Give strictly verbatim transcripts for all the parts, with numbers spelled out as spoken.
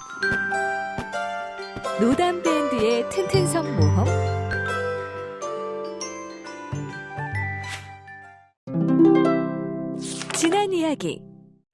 노담밴드의 튼튼섬 모험. 지난 이야기.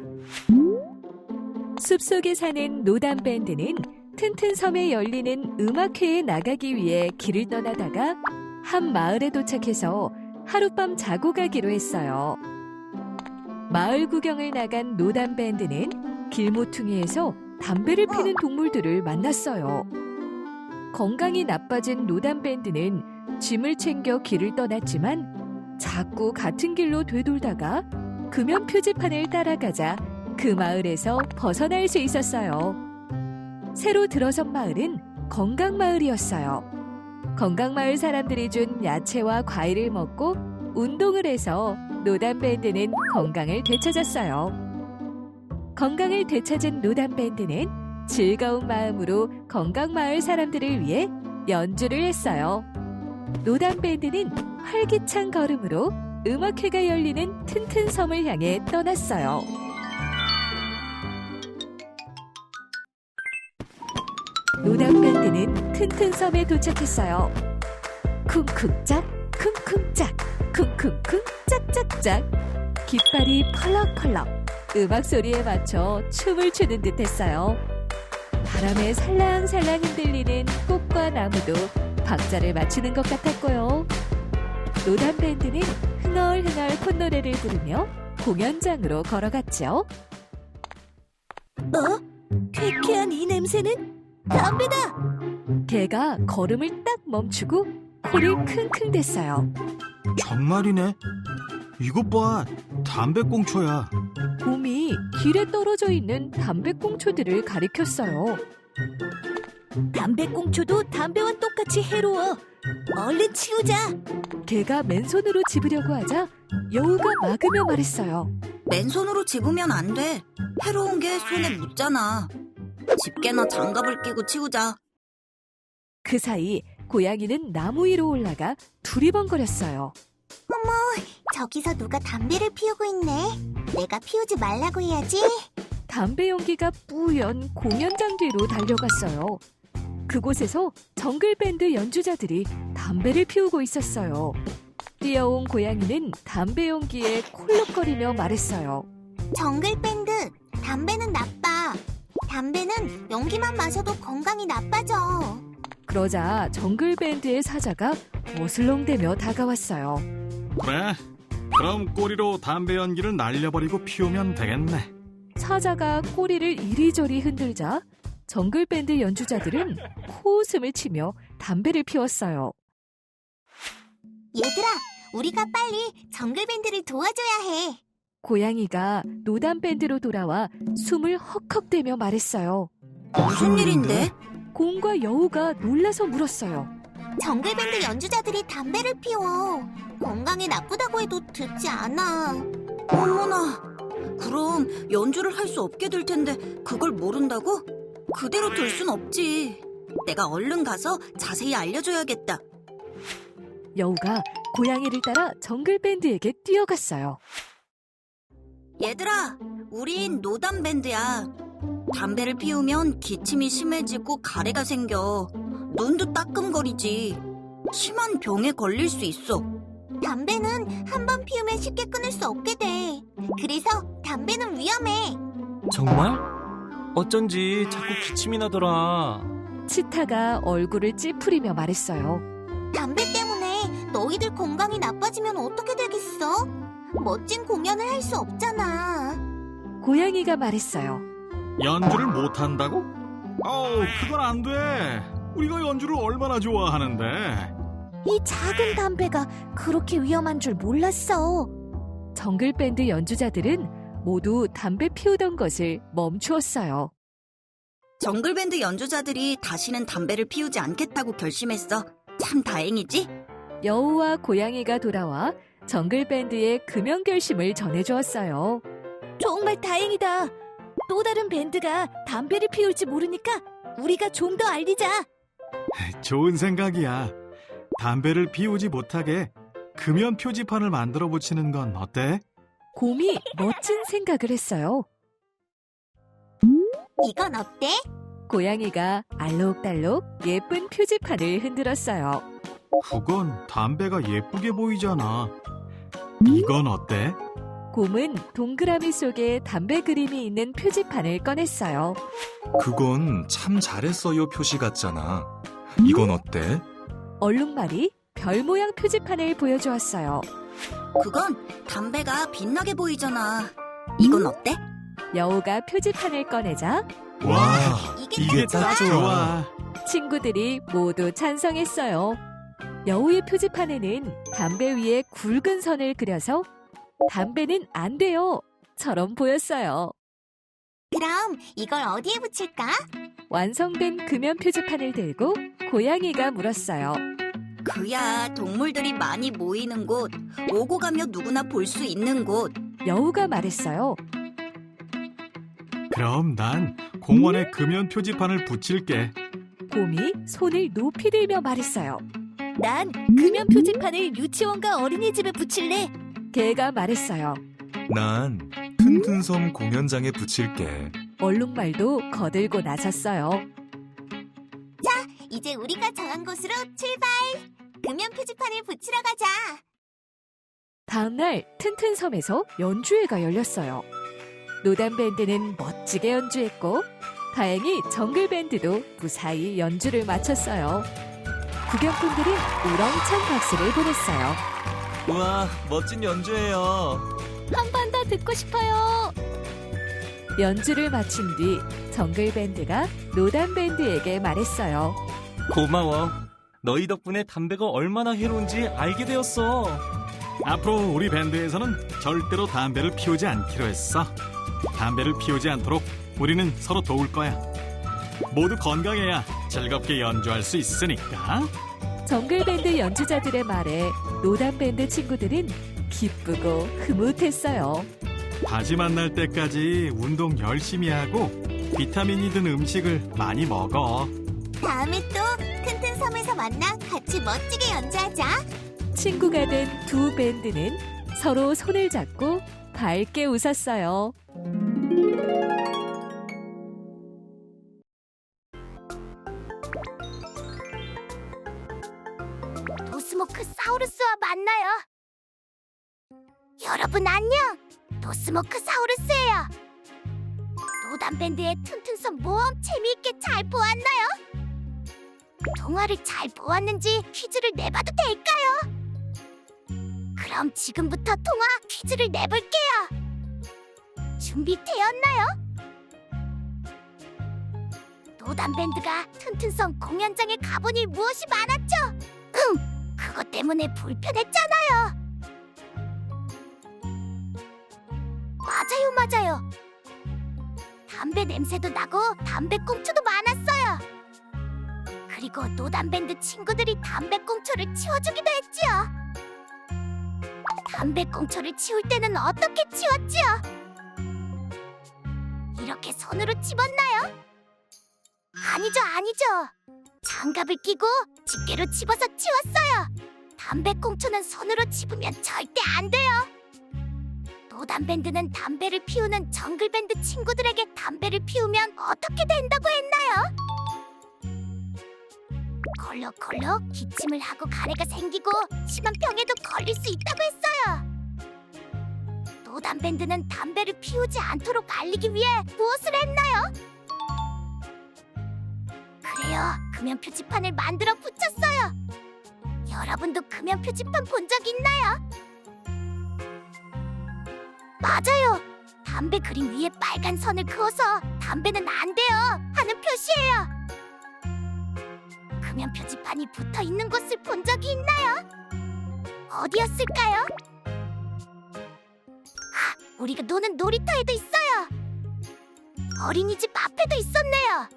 숲속에 사는 노담밴드는 튼튼섬에 열리는 음악회에 나가기 위해 길을 떠나다가 한 마을에 도착해서 하룻밤 자고 가기로 했어요. 마을 구경을 나간 노담밴드는 길모퉁이에서 담배를 피는 동물들을 만났어요. 건강이 나빠진 노담밴드는 짐을 챙겨 길을 떠났지만 자꾸 같은 길로 되돌다가 금연 표지판을 따라가자 그 마을에서 벗어날 수 있었어요. 새로 들어선 마을은 건강마을이었어요. 건강마을 사람들이 준 야채와 과일을 먹고 운동을 해서 노담밴드는 건강을 되찾았어요. 건강을 되찾은 노담밴드는 즐거운 마음으로 건강마을 사람들을 위해 연주를 했어요. 노담밴드는 활기찬 걸음으로 음악회가 열리는 튼튼섬을 향해 떠났어요. 노담밴드는 튼튼섬에 도착했어요. 쿵쿵짝, 쿵쿵짝, 쿵쿵쿵, 짝짝짝. 깃발이 펄럭펄럭 음악 소리에 맞춰 춤을 추는 듯했어요. 바람에 살랑살랑 흔들리는 꽃과 나무도 박자를 맞추는 것 같았고요. 노담밴드는 흥얼흥얼 콧노래를 부르며 공연장으로 걸어갔죠. 어? 쾌쾌한 이 냄새는 담배다! 개가 걸음을 딱 멈추고 코를 킁킁 댔어요. 정말이네. 이것 봐, 담배꽁초야. 곰이 길에 떨어져 있는 담배꽁초들을 가리켰어요. 담배꽁초도 담배와 똑같이 해로워. 얼른 치우자. 개가 맨손으로 집으려고 하자 여우가 막으며 말했어요. 맨손으로 집으면 안 돼. 해로운 게 손에 묻잖아. 집게나 장갑을 끼고 치우자. 그 사이 고양이는 나무 위로 올라가 두리번거렸어요. 어머, 저기서 누가 담배를 피우고 있네. 내가 피우지 말라고 해야지. 담배 연기가 뿌연 공연장 뒤로 달려갔어요. 그곳에서 정글밴드 연주자들이 담배를 피우고 있었어요. 뛰어온 고양이는 담배 연기에 콜록거리며 말했어요. 정글밴드, 담배는 나빠. 담배는 연기만 마셔도 건강이 나빠져. 그러자 정글밴드의 사자가 어슬렁대며 다가왔어요. 그래, 그럼 꼬리로 담배 연기를 날려버리고 피우면 되겠네. 사자가 꼬리를 이리저리 흔들자 정글밴드 연주자들은 코웃음을 치며 담배를 피웠어요. 얘들아, 우리가 빨리 정글밴드를 도와줘야 해. 고양이가 노담밴드로 돌아와 숨을 헉헉대며 말했어요. 무슨 일인데? 곰과 여우가 놀라서 물었어요. 정글밴드 연주자들이 담배를 피워. 건강에 나쁘다고 해도 듣지 않아. 어머나, 그럼 연주를 할 수 없게 될 텐데 그걸 모른다고? 그대로 둘 순 없지. 내가 얼른 가서 자세히 알려줘야겠다. 여우가 고양이를 따라 정글밴드에게 뛰어갔어요. 얘들아, 우린 노담밴드야. 담배를 피우면 기침이 심해지고 가래가 생겨. 눈도 따끔거리지. 심한 병에 걸릴 수 있어. 담배는 한 번 피우면 쉽게 끊을 수 없게 돼. 그래서 담배는 위험해. 정말? 어쩐지 자꾸 기침이 나더라. 치타가 얼굴을 찌푸리며 말했어요. 담배 때문에 너희들 건강이 나빠지면 어떻게 되겠어? 멋진 공연을 할 수 없잖아. 고양이가 말했어요. 연주를 못한다고? 어우, 그건 안 돼. 우리가 연주를 얼마나 좋아하는데. 이 작은 담배가 그렇게 위험한 줄 몰랐어. 정글밴드 연주자들은 모두 담배 피우던 것을 멈추었어요. 정글밴드 연주자들이 다시는 담배를 피우지 않겠다고 결심했어. 참 다행이지? 여우와 고양이가 돌아와 정글밴드의 금연 결심을 전해주었어요. 정말 다행이다. 또 다른 밴드가 담배를 피울지 모르니까 우리가 좀 더 알리자. 좋은 생각이야. 담배를 피우지 못하게 금연 표지판을 만들어 붙이는 건 어때? 곰이 멋진 생각을 했어요. 이건 어때? 고양이가 알록달록 예쁜 표지판을 흔들었어요. 그건 담배가 예쁘게 보이잖아. 이건 어때? 곰은 동그라미 속에 담배 그림이 있는 표지판을 꺼냈어요. 그건 참 잘했어요 표시 같잖아. 이건 어때? 얼룩말이 별 모양 표지판을 보여주었어요. 그건 담배가 빛나게 보이잖아. 이건 어때? 여우가 표지판을 꺼내자 와, 이게 이게 딱 좋아. 친구들이 모두 찬성했어요. 여우의 표지판에는 담배 위에 굵은 선을 그려서 담배는 안 돼요! 처럼 보였어요. 그럼 이걸 어디에 붙일까? 완성된 금연 표지판을 들고 고양이가 물었어요. 그야 동물들이 많이 모이는 곳, 오고 가며 누구나 볼 수 있는 곳. 여우가 말했어요. 그럼 난 공원에 금연 표지판을 붙일게. 곰이 손을 높이 들며 말했어요. 난 금연 표지판을 유치원과 어린이집에 붙일래. 개가 말했어요. 난 튼튼섬 공연장에 붙일게. 얼룩말도 거들고 나섰어요. 이제 우리가 정한 곳으로 출발! 금연 표지판을 붙이러 가자! 다음날 튼튼섬에서 연주회가 열렸어요. 노담밴드는 멋지게 연주했고 다행히 정글밴드도 무사히 연주를 마쳤어요. 구경꾼들은 우렁찬 박수를 보냈어요. 우와, 멋진 연주예요. 한 번 더 듣고 싶어요. 연주를 마친 뒤 정글밴드가 노담밴드에게 말했어요. 고마워. 너희 덕분에 담배가 얼마나 해로운지 알게 되었어. 앞으로 우리 밴드에서는 절대로 담배를 피우지 않기로 했어. 담배를 피우지 않도록 우리는 서로 도울 거야. 모두 건강해야 즐겁게 연주할 수 있으니까. 정글밴드 연주자들의 말에 노담밴드 친구들은 기쁘고 흐뭇했어요. 다시 만날 때까지 운동 열심히 하고 비타민이 든 음식을 많이 먹어. 다음에 또 튼튼섬에서 만나 같이 멋지게 연주하자! 친구가 된 두 밴드는 서로 손을 잡고 밝게 웃었어요. 도스모크사우루스와 만나요! 여러분 안녕! 도스모크사우루스예요! 노담밴드의 튼튼섬 모험 재미있게 잘 보았나요? 동화를 잘 보았는지 퀴즈를 내봐도 될까요? 그럼 지금부터 통화 퀴즈를 내볼게요! 준비되었나요? 노담밴드가 튼튼섬 공연장에 가보니 무엇이 많았죠? 응! 그것 때문에 불편했잖아요! 맞아요, 맞아요. 담배 냄새도 나고 담배꽁초도 많았어요. 그리고 노담밴드 친구들이 담배꽁초를 치워주기도 했지요. 담배꽁초를 치울 때는 어떻게 치웠지요? 이렇게 손으로 집었나요? 아니죠, 아니죠. 장갑을 끼고 집게로 집어서 치웠어요. 담배꽁초는 손으로 집으면 절대 안 돼요. 노담밴드는 담배를 피우는 정글밴드 친구들에게 담배를 피우면 어떻게 된다고 했나요? 콜록콜록 기침을 하고 가래가 생기고 심한 병에도 걸릴 수 있다고 했어요. 노담밴드는 담배를 피우지 않도록 알리기 위해 무엇을 했나요? 그래요, 금연 표지판을 만들어 붙였어요. 여러분도 금연 표지판 본 적 있나요? 맞아요. 담배 그림 위에 빨간 선을 그어서 담배는 안 돼요 하는 표시예요. 금연 표지판이 붙어 있는 곳을 본 적이 있나요? 어디였을까요? 아, 우리가 노는 놀이터에도 있어요. 어린이집 앞에도 있었네요.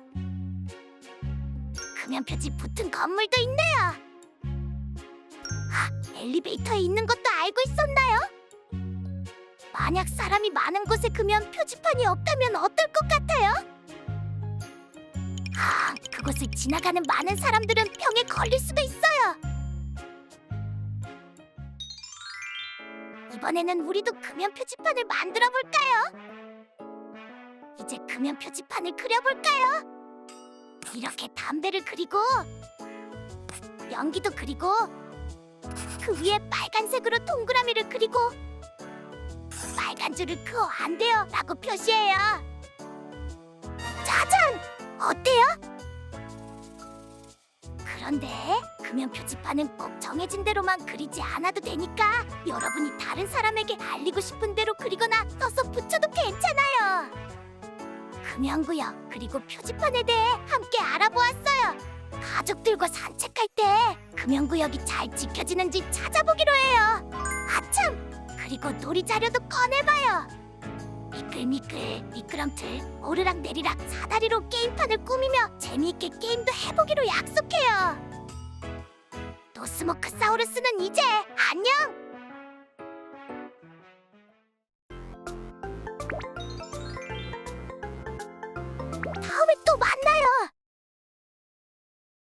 금연 표지 붙은 건물도 있네요. 아, 엘리베이터에 있는 것도 알고 있었나요? 만약 사람이 많은 곳에 금연 표지판이 없다면 어떨 것 같아요? 아, 그곳을 지나가는 많은 사람들은 병에 걸릴 수도 있어요. 이번에는 우리도 금연 표지판을 만들어 볼까요? 이제 금연 표지판을 그려볼까요? 이렇게 담배를 그리고 연기도 그리고 그 위에 빨간색으로 동그라미를 그리고 빨간 줄을 그어 안 돼요 라고 표시해요. 짜잔! 어때요? 그런데 금연 표지판은 꼭 정해진 대로만 그리지 않아도 되니까 여러분이 다른 사람에게 알리고 싶은 대로 그리거나 써서 붙여도 괜찮아요. 금연구역 그리고 표지판에 대해 함께 알아보았어요. 가족들과 산책할 때 금연구역이 잘 지켜지는지 찾아보기로 해요. 아참! 그리고 놀이 자료도 꺼내봐요. 미끌미끌, 미끄럼틀, 오르락 내리락 사다리로 게임판을 꾸미며 재미있게 게임도 해보기로 약속해요. 노스모크사우루스는 이제 안녕! 다음에 또 만나!